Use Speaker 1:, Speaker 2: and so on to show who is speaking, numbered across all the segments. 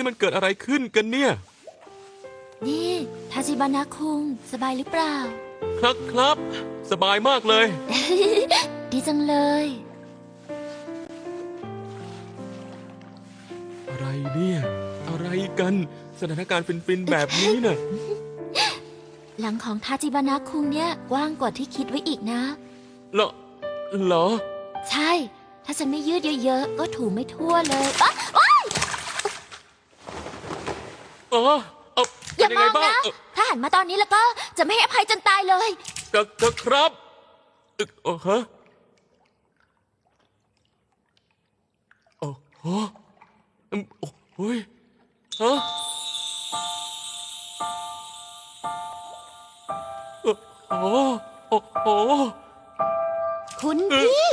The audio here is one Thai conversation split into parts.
Speaker 1: นี่มันเกิดอะไรขึ้นกันเนี่ย
Speaker 2: นี่ทาจิบานะคุงสบายหรือเปล่า
Speaker 1: ครับสบายมากเลย
Speaker 2: ดีจังเลย
Speaker 1: อะไรเนี่ยอะไรกันสถานการณ์ฟินๆแบบนี้น่ะ
Speaker 2: หลังของทาจิบานะคุงเนี่ยกว้างกว่าที่คิดไว้อีกนะ
Speaker 1: เหรอ
Speaker 2: ใช่ถ้าฉันไม่ยืดเยอะๆก็ถูไม่ทั่วเลยอย่ามองนะถ้าหันมาตอนนี้แล้วก็จะไม่ให้อภัยจนตายเลย
Speaker 1: ครับฮะโอ้โหโอ้ยฮะโอ้โห
Speaker 2: คุณพี่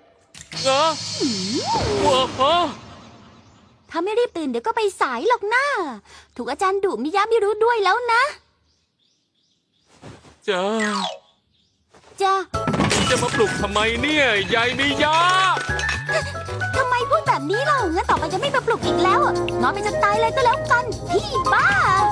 Speaker 1: ว้า
Speaker 2: ถ้าไม่รีบตื่นเดี๋ยวก็ไปสายหรอกนะถูกอาจารย์ดุมิยะไม่รู้ด้วยแล้วนะ
Speaker 1: จะมาปลุกทำไมเนี่ยยายมิยะ
Speaker 2: ทำไมพูดแบบนี้ล่ะงั้นต่อไปจะไม่มาปลุกอีกแล้วนอนไปจนตายเลยก็แล้วกันพี่บ้า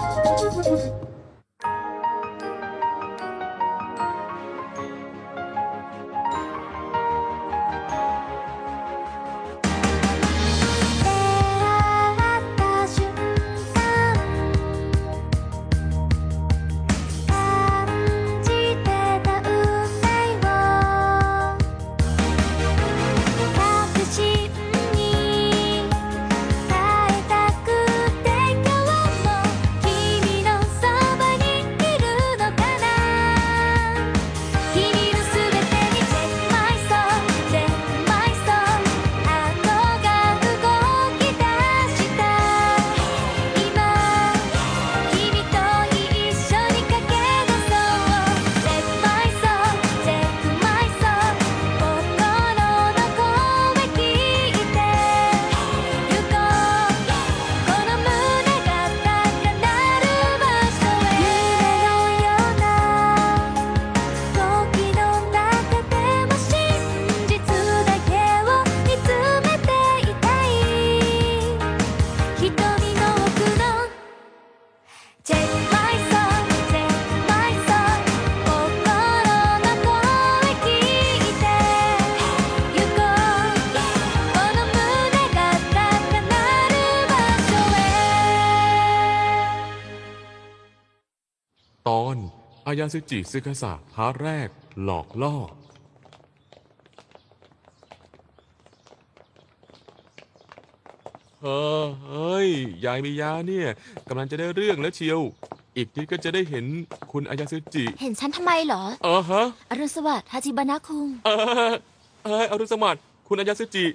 Speaker 1: ตอนอายาซึจิซึคาสะพาร์ทแรกหลอกล่อเฮ้ยยายมิยะเนี่ยกำลังจะได้เรื่องแล้วเชียวอีกนิดก็จะได้เห็นคุณอายาซึจิ
Speaker 2: เห็นฉันทำไมเหรอ
Speaker 1: ฮะ
Speaker 2: อรุณสวัสดิ์ทาจิบานะคุง
Speaker 1: อรุณสวัสดิ์คุณอายาซึจิ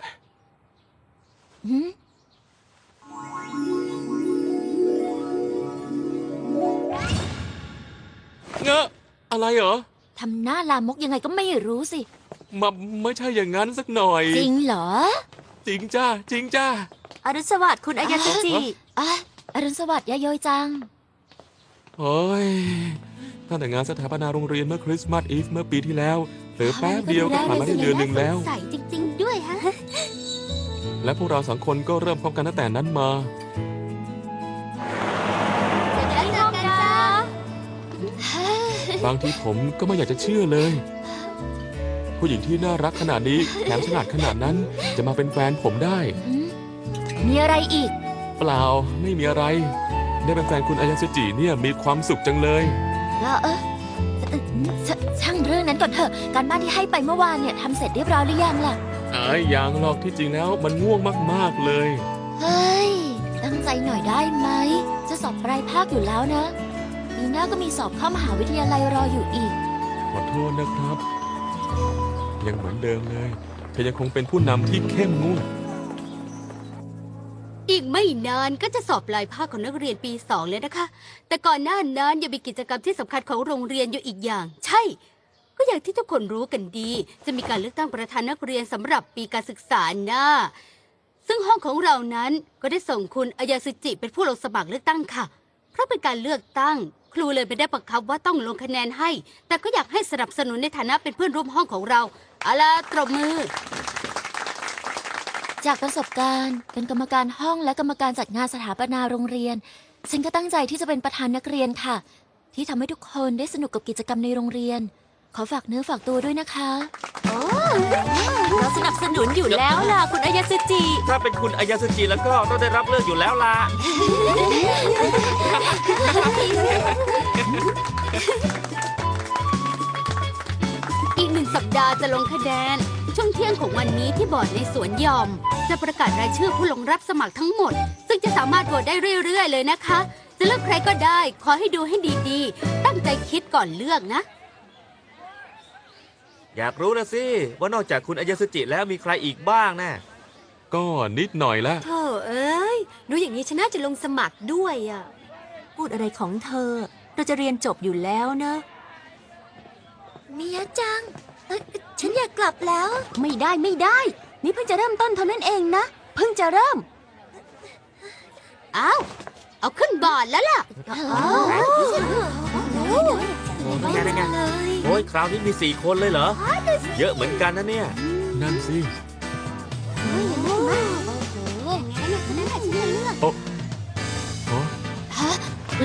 Speaker 1: เงอะอะไรเหรอ
Speaker 2: ทำหน้าลามกยังไงก็ไม่รู้สิ
Speaker 1: ไม่ใช่อย่างนั้นสักหน่อย
Speaker 2: จริงเหรอ
Speaker 1: จริงจ้า
Speaker 2: อรุณสวัสดิ์คุณอายาซึจิอรุณสวัสดิ์ยาโยจัง
Speaker 1: โอ้ยตั้งแต่งานสถาปนาโรงเรียนเมื่อคริสต์มาสอีฟเมื่อปีที่แล้วเหลือแป๊บเดียวก็ผ่านมาได้เดือนหนึ่งแล้ว
Speaker 2: ใส่จริงๆด้วยฮะ
Speaker 1: และพวกเรา2 คนก็เริ่มพบกันตั้งแต่นั้นมาบางทีผมก็ไม่อยากจะเชื่อเลยผู้หญิงที่น่ารักขนาดนี้แถมฉลาดขนาดนั้นจะมาเป็นแฟนผมได้
Speaker 2: มีอะไรอีก
Speaker 1: เปล่าไม่มีอะไรได้เป็นแฟนคุณอายาซึจิเนี่ยมีความสุขจังเลย
Speaker 2: ช่างเรื่องนั้นก่อนเถอะการบ้านที่ให้ไปเมื่อวานเนี่ยทำเสร็จเรียบร้อยหรือยังล่ะ
Speaker 1: ยังหรอกที่จริงแล้วมันง่วงมากๆเลย
Speaker 2: เฮ้ยตั้งใจหน่อยได้ไหมจะสอบปลายภาคอยู่แล้วนะปีหน้าก็มีสอบเข้ามหาวิทยาลัยรออยู่อีก
Speaker 1: ขอโทษนะครับยังเหมือนเดิมเลยเธอยังคงเป็นผู้นำที่เข้มงวด
Speaker 3: อีกไม่นานก็จะสอบปลายภาคของนักเรียนปี2เลยนะคะแต่ก่อนหน้านั้นยังมีกิจกรรมที่สำคัญของโรงเรียนอยู่อีกอย่างใช่ก็อย่างที่ทุกคนรู้กันดีจะมีการเลือกตั้งประธานนักเรียนสำหรับปีการศึกษาหน้าซึ่งห้องของเรานั้นก็ได้ส่งคุณอายาซึจิเป็นผู้ลงสมัครเลือกตั้งค่ะเพราะเป็นการเลือกตั้งครูเลยไม่ได้บังคับว่าต้องลงคะแนนให้แต่ก็อยากให้สนับสนุนในฐานะเป็นเพื่อนร่วมห้องของเราเอาล่ะตบมือ
Speaker 2: จากประสบการณ์เป็นกรรมการห้องและกรรมการจัดงานสถาปนาโรงเรียน ฉันก็ตั้งใจที่จะเป็นประธานนักเรียนค่ะ ที่ทำให้ทุกคนได้สนุกกับกิจกรรมในโรงเรียน ขอฝากเนื้อฝากตัวด้วยนะคะ
Speaker 4: เราสนับสนุนอยู่แล้วล่ะคุณอายาสจิ
Speaker 5: ถ้าเป็นคุณอายาสจิแล้วก็ต้องได้รับเลือกอยู่แล้วล่ะ
Speaker 3: อีก1 สัปดาห์จะลงคะแนน ช่วงเที่ยงของวันนี้ที่บอร์ดในสวนหยอม จะประกาศรายชื่อผู้ลงรับสมัครทั้งหมด ซึ่งจะสามารถโหวตได้เรื่อยๆเลยนะคะ จะเลือกใครก็ได้ ขอให้ดูให้ดีๆ ตั้งใจคิดก่อนเลือกนะ
Speaker 5: อยากรู้นะสิ ว่านอกจากคุณอายาสจิแล้วมีใครอีกบ้างนะ
Speaker 1: ก็นิดหน่อยละ
Speaker 4: โธ่เอ้ยรู้อย่างนี้ฉันน่าจะลงสมัครด้วยอ่ะ พูดอะไรของเธอ เราจะเรียนจบอยู่แล้วนะ
Speaker 2: มียะจังฉันอยากกลับแล้ว
Speaker 4: ไม่ได้ไม่ได้ นี่เพิ่งจะเริ่มต้นเท่านั้นเองนะ เพิ่งจะเริ่ม
Speaker 3: อ้าว เอาขึ้นบอร์ดแล้วล่ะ
Speaker 5: นั่นไงโอ้ยคราวนี้มี4 คนเลยเหรอ เยอะเหมือนกันนะเนี่ย
Speaker 1: นั่นสิ โอ้ฮะ
Speaker 2: ฮะ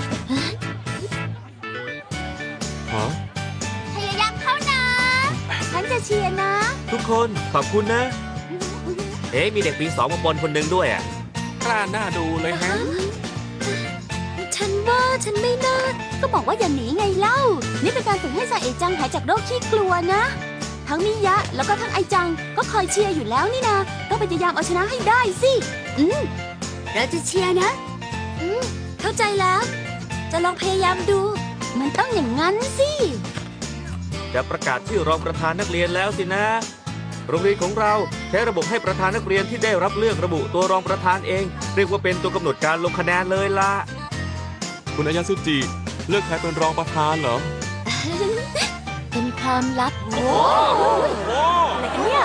Speaker 1: ฮะ
Speaker 2: พยายามเข้านะ ฉันจะเชียร์นะ
Speaker 5: ทุกคนขอบคุณนะ เอ๊ะมีเด็กปี 2 มาบนคนหนึ่งด้วยอ่ะ
Speaker 1: กล้าหน้าดูเลยฮะ
Speaker 4: ฉันว่าฉันไม่น่า ก็บอกว่าอย่าหนีไงเล่า นี่เป็นการฝึกให้ซาเอะจังหายจากโรคขี้กลัวนะ ทั้งมิยะแล้วก็ทั้งไอจัง ก็คอยเชียร์อยู่แล้วนี่นะต้องพยายามเอาชนะให้ได้สิ
Speaker 3: เราจะเชียร์นะ
Speaker 4: เข้าใจแล้ว จะลองพยายามดู มันต้องอย่างนั้นสิ
Speaker 5: จะประกาศชื่อรองประธานนักเรียนแล้วสินะ โรงเรียนของเราใช้ระบบให้ประธานนักเรียนที่ได้รับเลือกระบุตัวรองประธานเอง เรียกว่าเป็นตัวกำหนดการลงคะแนนเลยล่ะ
Speaker 1: คุณอายาสุจิ เลือกใครเป็นรองประธานเหรอ
Speaker 2: เป็นความลับ
Speaker 4: อะไรกันเนี่ย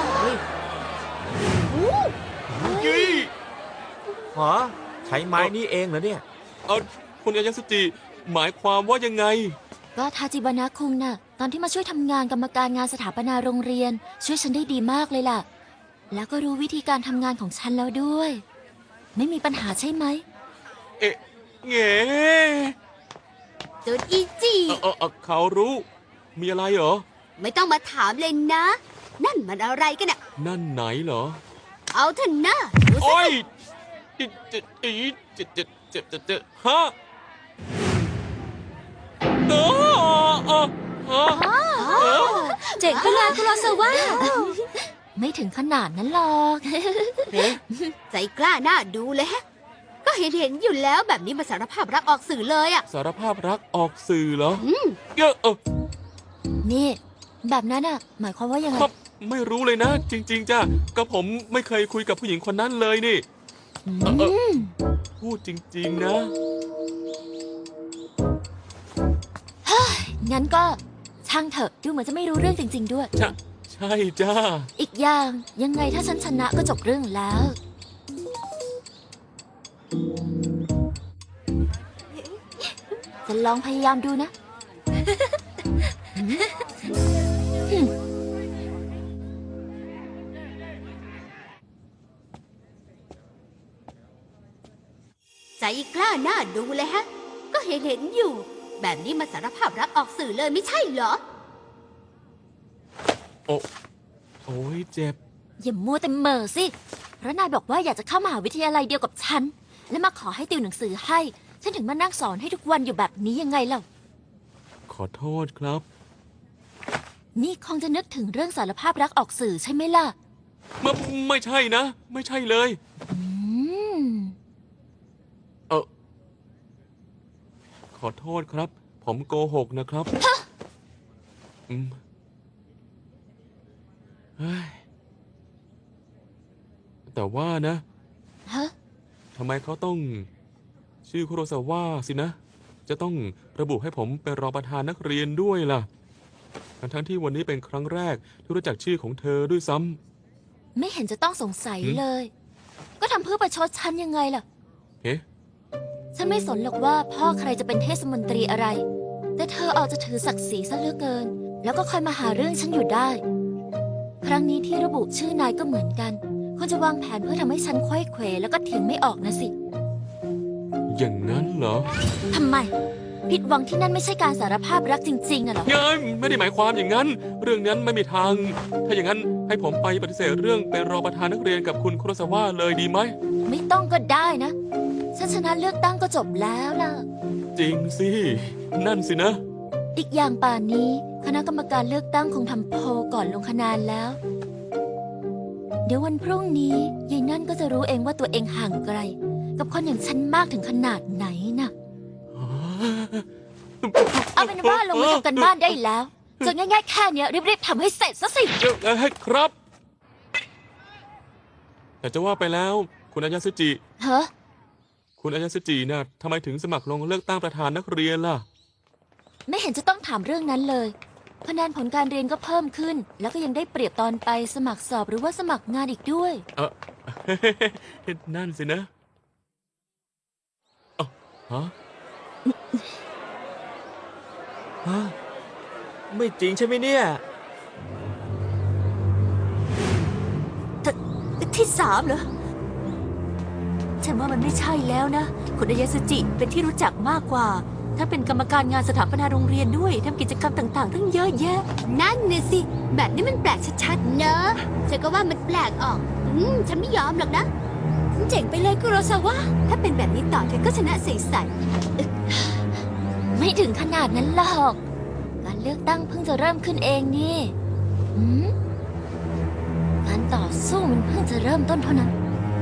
Speaker 1: ยี่
Speaker 5: หอใช้ไม้นี่เองเหรอเนี่ย
Speaker 1: คุณอายาสุจิ หมายความว่ายังไง
Speaker 2: ก็ทาจิบานะคุงน่ะ ตอนที่มาช่วยทำงานกรรมการงานสถาปนาโรงเรียน ช่วยฉันได้ดีมากเลยล่ะ แล้วก็รู้วิธีการทำงานของฉันแล้วด้วย ไม่มีปัญหาใช่ไหม
Speaker 1: เอ๊ะเง
Speaker 3: จุดอีจี
Speaker 1: เขารู้ มีอะไรเหรอ
Speaker 3: ไม่ต้องมาถามเลยนะ นั่นมันอะไรกันอะ
Speaker 1: นั่นไหนเหรอ
Speaker 3: เอาเถอะนะดูสิ
Speaker 1: โอ้ยเจ็บฮะโอ้ฮะ
Speaker 4: เจ๋งไปเลยคุโรซาวะ
Speaker 2: ไม่ถึงขนาดนั้นหรอก
Speaker 3: ใจกล้าหน้าดูเลยฮะ ก็เห็นอยู่แล้วแบบนี้มาสารภาพรักออกสื่อเลยอะ
Speaker 1: สารภาพรักออกสื่อเหรอ
Speaker 3: อืม
Speaker 2: นี่ แบบนั้นอ่ะ หมายความว่ายังไง
Speaker 1: ครับไม่รู้เลยนะ จริง ๆจ้ะก็ผมไม่เคยคุยกับผู้หญิงคนนั้นเลยนี่ พูดจริง ๆ นะ
Speaker 2: งั้นก็ช่างเถอะ ดูเหมือนจะไม่รู้เรื่องจริง ๆ ด้วย
Speaker 1: ใช่จ้า
Speaker 2: อีกอย่างยังไงถ้าฉันชนะก็จบเรื่องแล้ว จะลองพยายามดูนะ
Speaker 3: ใจกล้าหน้าดูเลยฮะ ก็เห็นอยู่ แบบนี้มาสารภาพรักออกสื่อเลยไม่ใช่เหรอ
Speaker 1: โอ้ยเจ็บ
Speaker 2: อย่ามัวแต่เหม่อสิ เพราะนายบอกว่าอยากจะเข้ามหาวิทยาลัยเดียวกับฉัน และมาขอให้ติวหนังสือให้ ฉันถึงมานั่งสอนให้ทุกวันอยู่แบบนี้ยังไงเล่า
Speaker 1: ขอโทษครับ
Speaker 2: นี่คงจะนึกถึงเรื่องสารภาพรักออกสื่อใช่ไหมล่ะ
Speaker 1: ไม่ใช่นะ ไม่ใช่เลย
Speaker 2: อืม
Speaker 1: ขอโทษครับ ผมโกหกนะครับเฮ้ยแต่ว่านะ
Speaker 2: ฮะ
Speaker 1: ทำไมเขาต้องชื่อคุโรซาวะสินะ จะต้องระบุให้ผมเป็นรองประธานนักเรียนด้วยล่ะ ทั้งที่วันนี้เป็นครั้งแรกที่รู้จักชื่อของเธอด้วยซ้ำ
Speaker 2: ไม่เห็นจะต้องสงสัยเลย ก็ทำเพื่อประชดฉันยังไงล่ะ
Speaker 1: เฮ้
Speaker 2: ฉันไม่สนหรอกว่าพ่อใครจะเป็นเทศมนตรีอะไร แต่เธอเอาจะถือศักดิ์ศรีซะเหลือเกิน แล้วก็คอยมาหาเรื่องฉันอยู่ได้ ครั้งนี้ที่ระบุชื่อนายก็เหมือนกันคุณจะวางแผนเพื่อทำให้ฉันไขว้เขวแล้วก็เถียงไม่ออกนะสิ
Speaker 1: อย่างนั้นเหรอ
Speaker 2: ทำไม ผิดหวังที่นั่นไม่ใช่การสารภาพรักจริงๆอะเหรอ
Speaker 1: เย้ยไม่ได้หมายความอย่างนั้น เรื่องนั้นไม่มีทาง ถ้าอย่างนั้นให้ผมไปปฏิเสธเรื่องเป็นรองประธานนักเรียนกับคุณคุโรซาวะเลยดีไหม
Speaker 2: ไม่ต้องก็ได้นะ ฉันชนะเลือกตั้งก็จบแล้วล่ะ
Speaker 1: จริงสิ นั่นสินะ
Speaker 2: อีกอย่างป่านนี้คณะกรรมการเลือกตั้งคงทำโพลก่อนลงคะแนนแล้ว เดี๋ยววันพรุ่งนี้ยายนั่นก็จะรู้เองว่าตัวเองห่างไกล กับคนอย่างฉันมากถึงขนาดไหนน่ะ เอาเป็นว่าลงมือทำกันบ้านได้แล้วจนง่ายๆแค่เนี้ยรีบๆทำให้เสร็จซะสิ
Speaker 1: ครับ แต่จะว่าไปแล้ว คุณอายาสึจิ
Speaker 2: เฮ้อ
Speaker 1: คุณอายาสึจิน่ะทำไมถึงสมัครลงเลือกตั้งประธานนักเรียนล่ะ
Speaker 2: ไม่เห็นจะต้องถามเรื่องนั้นเลยคะแนนผลการเรียนก็เพิ่มขึ้น แล้วก็ยังได้เปรียบตอนไปสมัครสอบหรือว่าสมัครงานอีกด้วย
Speaker 1: เออ นั่นสินะเอ้าฮะ
Speaker 5: ฮะ ไม่จริงใช่ไหมเนี่ย
Speaker 4: ที่สามเหรอ ฉันว่ามันไม่ใช่แล้วนะ คุณอายาสจิเป็นที่รู้จักมากกว่า ถ้าเป็นกรรมการงานสถาปนาโรงเรียนด้วยทำกิจกรรมต่างๆ ทั้งเยอะแยะ
Speaker 3: นั่นน่ะสิ แบบนี้มันแปลกชัดๆ เนอะฉันก็ว่ามันแปลกออก ฉันไม่ยอมหรอกนะ เจ๋งไปเลยคุโรซาวะ ถ้าเป็นแบบนี้ต่อเธอก็ชนะใส
Speaker 2: ไม่ถึงขนาดนั้นหรอก การเลือกตั้งเพิ่งจะเริ่มขึ้นเองนี่หืมการต่อสู้มันเพิ่งจะเริ่มต้นเท่านั้น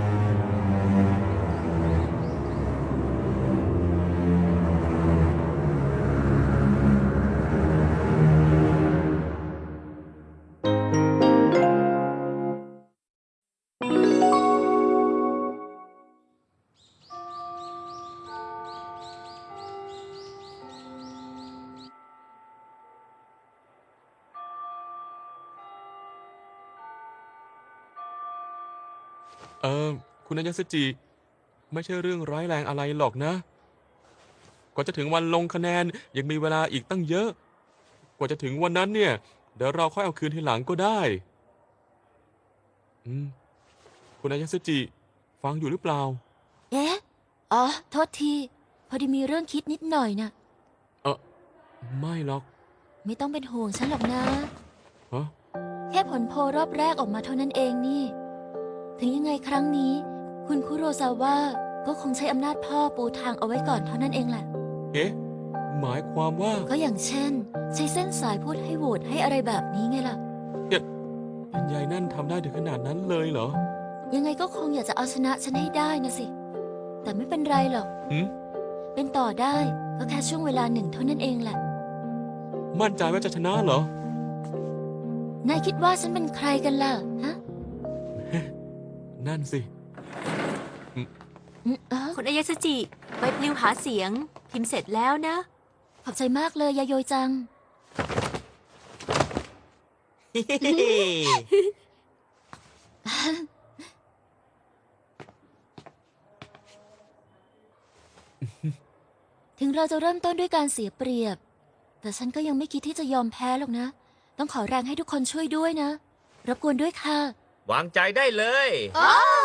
Speaker 1: คุณอายาสึจิ ไม่ใช่เรื่องร้ายแรงอะไรหรอกนะ กว่าจะถึงวันลงคะแนนยังมีเวลาอีกตั้งเยอะ กว่าจะถึงวันนั้นเนี่ย เดี๋ยวเราค่อยเอาคืนทีหลังก็ได้ คุณอายาสึจิ ฟังอยู่หรือเปล่า
Speaker 2: เอ๊ะ อ๋อ โทษที พอดีมีเรื่องคิดนิดหน่อยนะ
Speaker 1: ไม่หรอก
Speaker 2: ไม่ต้องเป็นห่วงฉันหรอกนะ
Speaker 1: ฮะ
Speaker 2: แค่ผลโพลรอบแรกออกมาเท่านั้นเองนี่ ถึงยังไงครั้งนี้ คุณคุโรซาวะก็คงใช้อำนาจพ่อปูทางเอาไว้ก่อนเท่านั้นเองแหละ
Speaker 1: เอ๊ะ หมายความว่า
Speaker 2: ก็อย่างเช่น ใช้เส้นสายพูดให้โหวตให้อะไรแบบนี้ไงล่ะ
Speaker 1: ยายนั่นทำได้ถึงขนาดนั้นเลยเหรอ
Speaker 2: ยังไงก็คงอยากจะเอาชนะฉันให้ได้นะสิ แต่ไม่เป็นไรหรอก
Speaker 1: หืม
Speaker 2: เป็นต่อได้ก็แค่ช่วงเวลาหนึ่งเท่านั้นเองแหละ
Speaker 1: มั่นใจว่าจะชนะเหรอ
Speaker 2: นายคิดว่าฉันเป็นใครกันล่ะ ฮะ
Speaker 1: นั่นสิ
Speaker 4: คุณอายาสจิใบปลิวหาเสียง พิมพ์เสร็จแล้วนะ
Speaker 2: ขอบใจมากเลยยาโยยจัง ถึงเราจะเริ่มต้นด้วยการเสียเปรียบ แต่ฉันก็ยังไม่คิดที่จะยอมแพ้หรอกนะ ต้องขอแรงให้ทุกคนช่วยด้วยนะ รบกวนด้วยค่ะ
Speaker 5: วางใจได้เลย
Speaker 3: ๆ โอ้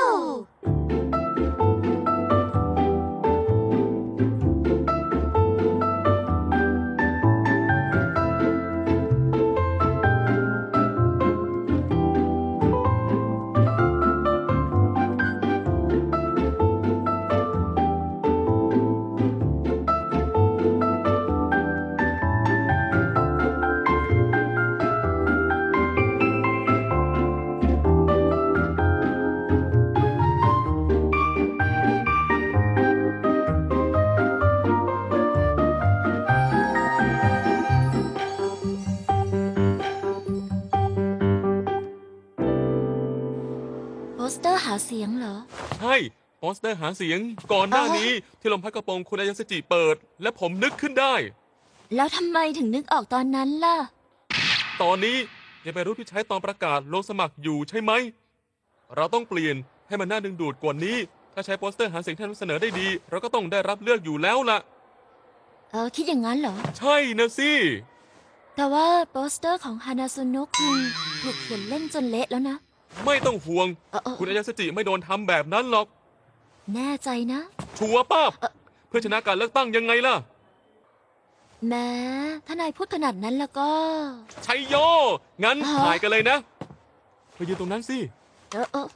Speaker 2: โปสเตอร์หาเสียงเหรอ
Speaker 1: ใช่โปสเตอร์หาเสียงก่อนหน้านี้ที่ลมพัดกระโปรงคุณอายาสจิเปิด และผมนึกขึ้นได้
Speaker 2: แล้วทำไมถึงนึกออกตอนนั้นล่ะ
Speaker 1: ตอนนี้ยังเป็นรูปที่ใช้ตอนประกาศลงสมัครอยู่ใช่ไหม เราต้องเปลี่ยนให้มันน่าดึงดูดกว่านี้ ถ้าใช้โปสเตอร์หาเสียงที่นำเสนอได้ดี เราก็ต้องได้รับเลือกอยู่แล้วล่ะ
Speaker 2: คิดอย่างนั้นเหรอ
Speaker 1: ใช่นะสิ
Speaker 2: แต่ว่าโปสเตอร์ของฮานาซุนุกถูกเขียนเล่นจนเละแล้วนะ
Speaker 1: ไม่ต้องห่วง
Speaker 2: เออ
Speaker 1: คุณอายาสจิไม่โดนทำแบบนั้นหรอก
Speaker 2: แน่ใจนะ
Speaker 1: ชัวร์ป้าบเพื่อชนะการเลือกตั้งยังไงล่ะ
Speaker 2: แม้ถ้านายพูดขนาดนั้นแล้วก็
Speaker 1: ชัยโย งั้น
Speaker 2: ฮะ
Speaker 1: ถ่ายกันเลยนะไปยืนตรงนั้นสิ
Speaker 2: เออ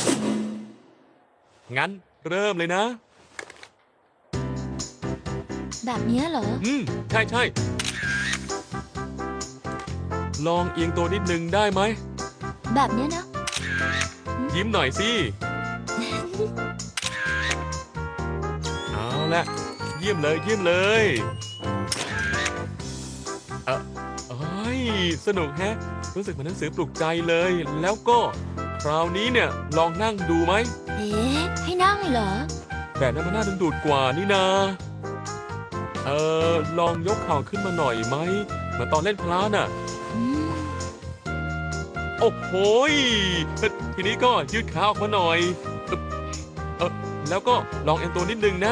Speaker 1: งั้นเริ่มเลยนะ
Speaker 2: แบบเนี้ยเหรอ
Speaker 1: ใช่ใช่ลองเอียงตัวนิดนึงได้ไหม
Speaker 2: แบบเนี้ยนะ
Speaker 1: ยิ้มหน่อยสิ เอาละเยี่ยมเลยเยี่ยมเลยเอ้ยสนุกแฮะ รู้สึกเหมือนหนังสือปลุกใจเลย แล้วก็คราวนี้เนี่ยลองนั่งดูไหม
Speaker 2: เอ๊ะให้นั่งเหรอ
Speaker 1: แบบนั้นมันน่าดึงดูดกว่านี่นาลองยกเข่าขึ้นมาหน่อยไหมเหมือนตอนเล่นพลาน่ะ
Speaker 2: อืม
Speaker 1: โอ้โหยทีนี้ก็ยืดขาออกมาหน่อยแล้วก็ลองเอ็นตัวนิดนึงนะ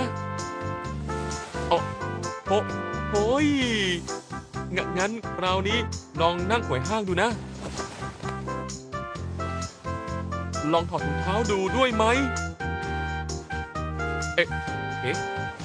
Speaker 1: โอ้ยงั้นคราวนี้ลองนั่งไขว่ห้างดูนะ ลองถอดถุงเท้าดูด้วยไหมเฮ้ยเฮ้ย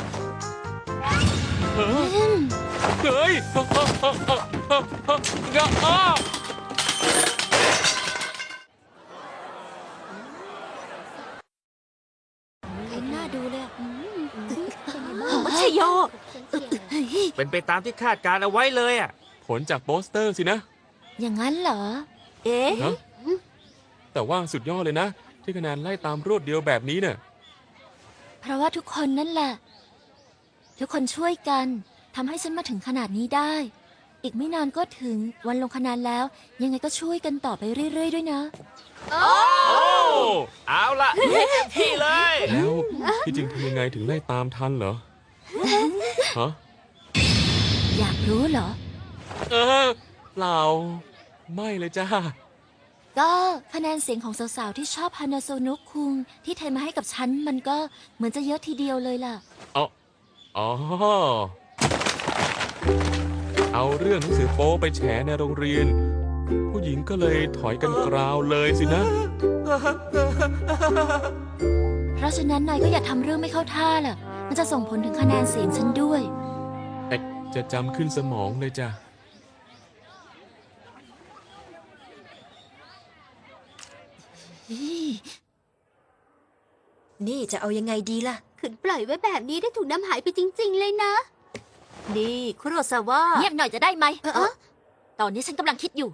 Speaker 2: เห็นหน้าดูเลยอืม
Speaker 4: มัชโย
Speaker 5: เป็นไปตามที่คาดการเอาไว้เลยอ่ะ
Speaker 1: ผลจากโปสเตอร์สินะ
Speaker 2: อย่างนั้นเหรอ
Speaker 4: เอ๊ะ
Speaker 1: ฮะแต่ว่าสุดยอดเลยนะ ที่คะแนนไล่ตามรวดเดียวแบบนี้เนี่ย
Speaker 2: เพราะว่าทุกคนนั่นแหละ ทุกคนช่วยกันทำให้ฉันมาถึงขนาดนี้ได้ อีกไม่นานก็ถึงวันลงคะแนนแล้ว ยังไงก็ช่วยกันต่อไปเรื่อยๆด้วยนะ
Speaker 5: โอ้เอาละเต็มที่เลย
Speaker 1: แล้วที่จริงทำยังไงถึงไล่ตามทันเหรอ ฮะ
Speaker 2: อยากรู้เหรอ
Speaker 1: เปล่า ไม่เลยจ้า
Speaker 2: ก็คะแนนเสียงของสาวๆที่ชอบฮานาโซนุคุงที่เทมาให้กับฉันมันก็เหมือนจะเยอะทีเดียวเลยล่ะ
Speaker 1: อ๋อ เอาเรื่องหนังสือโป๊ไปแฉในโรงเรียน ผู้หญิงก็เลยถอยกันกราวเลยสินะ
Speaker 2: เพราะฉะนั้นนายก็อย่าทำเรื่องไม่เข้าท่าล่ะ มันจะส่งผลถึงคะแนนเสียงฉันด้วย
Speaker 1: จะจำขึ้นสมองเลยจ้ะ
Speaker 4: นี่จะเอายังไงดีล่ะ
Speaker 3: ขืนปล่อยไว้แบบนี้ได้ถูกน้ำหายไปจริง ๆ เลยนะ
Speaker 4: นี่คุโรซาวะ
Speaker 2: เงียบหน่อยจะได้ไหมตอนนี้ฉันกำลังคิดอยู่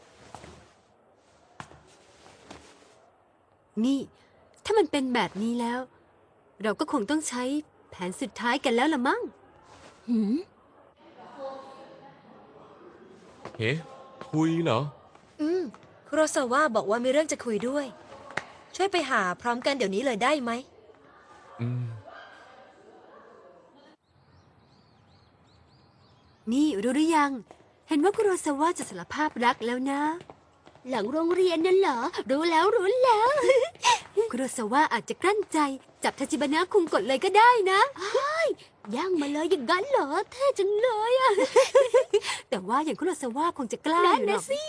Speaker 3: นี่ ถ้ามันเป็นแบบนี้แล้ว เราก็คงต้องใช้แผนสุดท้ายกันแล้วละมั้ง
Speaker 2: หืม
Speaker 1: เฮ้คุยเหรอ
Speaker 4: คุโรซาวะบอกว่ามีเรื่องจะคุยด้วย ช่วยไปหาพร้อมกันเดี๋ยวนี้เลยได้ไหม
Speaker 1: อืม
Speaker 3: นี่รู้หรือยัง เห็นว่าคุโรซาวะจะสารภาพรักแล้วนะ หลังโรงเรียนนั่นเหรอ รู้แล้ว คุโรซาวะอาจจะกลั้นใจ จับทาจิบานะคุงกดเลยก็ได้นะย่างมาเลยอย่างนั้นเหรอเท่จังเลยอะ แต่ว่าอย่างคุโรซาวะคงจะกล้าอยู่หรอกสิ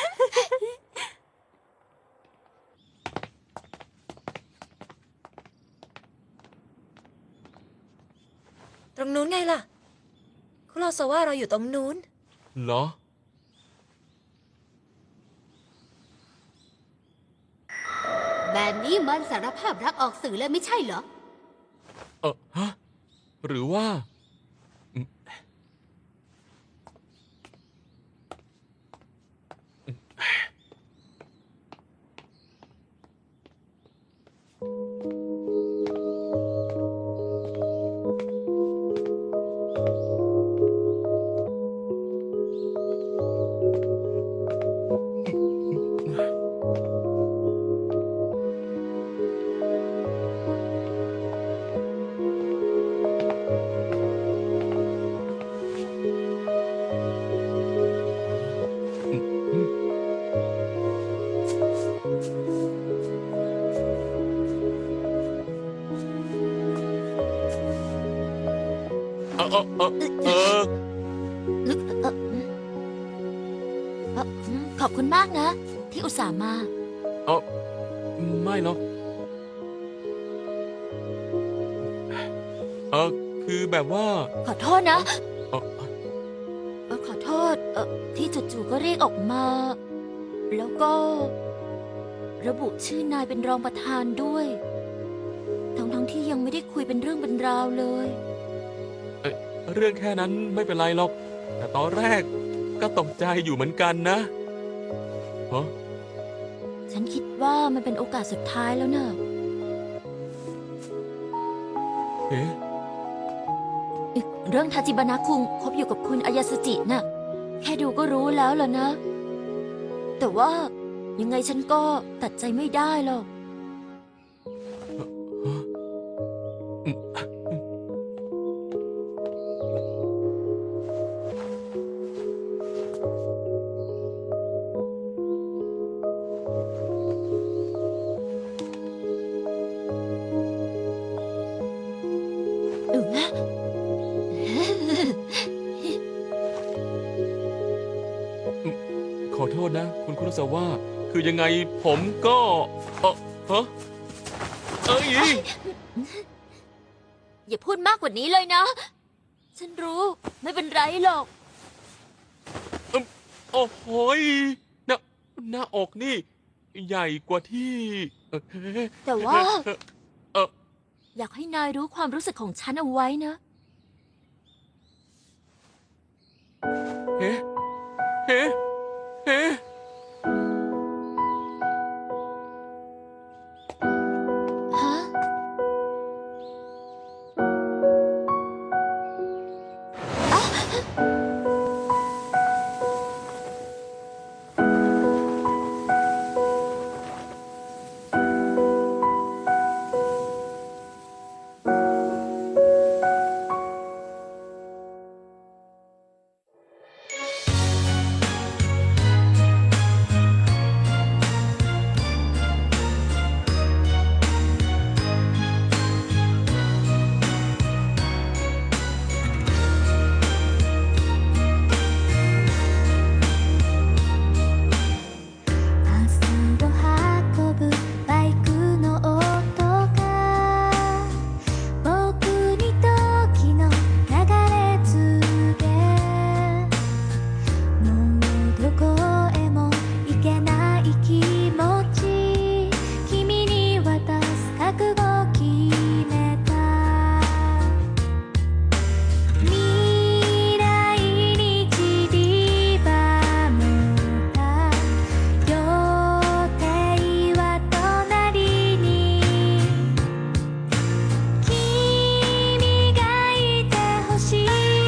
Speaker 4: ตรงนู้นไงล่ะ คุโรซาวะเราอยู่ตรงนู้น
Speaker 1: เหรอ
Speaker 3: แบบนี้มันสารภาพรักออกสื่อเลยไม่ใช่เหรอ
Speaker 1: ฮะ หรือว่า
Speaker 2: ขอบคุณมากนะ ที่อุตส่าห์มา
Speaker 1: เออไม่หรอกคือแบบว่า
Speaker 2: ขอโทษนะ
Speaker 1: เออ
Speaker 2: ขอโทษที่จู่ๆก็เรียกออกมา แล้วก็ ระบุชื่อนายเป็นรองประธานด้วย ทั้งที่ยังไม่ได้คุยเป็นเรื่องเป็นราวเลย
Speaker 1: เรื่องแค่นั้นไม่เป็นไรหรอก แต่ตอนแรกก็ตกใจอยู่เหมือนกันนะฮะ
Speaker 2: ฉันคิดว่ามันเป็นโอกาสสุดท้ายแล้วเนอะ
Speaker 1: เอ๊ะ
Speaker 2: เรื่องทาจิบานะคุงคบอยู่กับคุณอายาสุจิน่ะ แค่ดูก็รู้แล้วล่ะนะ แต่ว่ายังไงฉันก็ตัดใจไม่ได้หรอก
Speaker 1: ขอโทษนะ คุณคุรุซาวะคือยังไงผมก็ฮะเอ้ย
Speaker 2: อย่าพูดมากกว่านี้เลยนะ ฉันรู้ไม่เป็นไรหรอก
Speaker 1: โอ้โหยหน้าอกนี่ ใหญ่กว่าที่
Speaker 2: แต่ว่า
Speaker 1: เออ
Speaker 2: อยากให้นายรู้ความรู้สึกของฉันเอาไว้นะ
Speaker 1: เฮ้เฮ้เฮ้
Speaker 2: ฮะ
Speaker 4: 明日を運ぶバイクの音が僕に時の流れ告げもうどこへも行けない気持ち君に渡す覚悟決めた未来に散りばめた予定は隣に君がいてほしい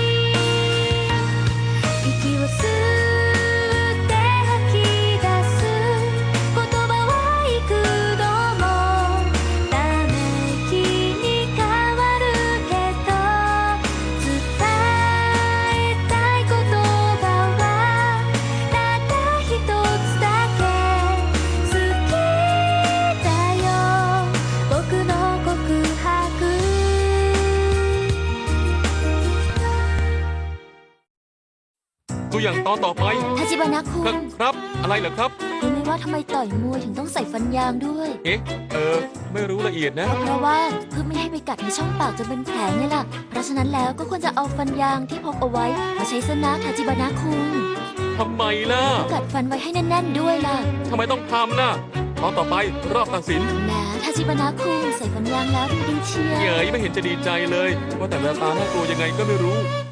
Speaker 4: 息を吸って吐き出す言葉は幾度もため息に変わるけど伝えたい言葉はたった一つだけ好きだよ僕の告白
Speaker 1: ตัวอย่างตอนต่อไป
Speaker 2: ทาจิบานะคุ
Speaker 1: ครับ
Speaker 2: ง
Speaker 1: ครับ อะไรเหรอครับ
Speaker 2: รู้ไหมว่าทำไมต่อยมวยถึงต้องใส่ฟันยางด้วย
Speaker 1: เอ๊ะ ไม่รู้ละเอียดนะ
Speaker 2: ก็เพราะว่าเพื่อไม่ให้ไปกัดในช่องปากจนเป็นแผลไงล่ะ เพราะฉะนั้นแล้วก็ควรจะเอาฟันยางที่พกเอาไว้มาใช้ซะนะทาจิบานะคุง
Speaker 1: ทำไมล่ะ
Speaker 2: กัดฟันไว้ให้แน่นๆด้วยล่ะ
Speaker 1: ทำไมต้องทำน่ะตอนต่อไปรอบตัดสิน
Speaker 2: แหมทาจิบานะคุงใส่ฟันยางแล้วดูดีเชียว
Speaker 1: เหยยไม่เห็นจะดีใจเลย ว่าแต่แววตาน่ากลัวยังไงก็ไม่รู้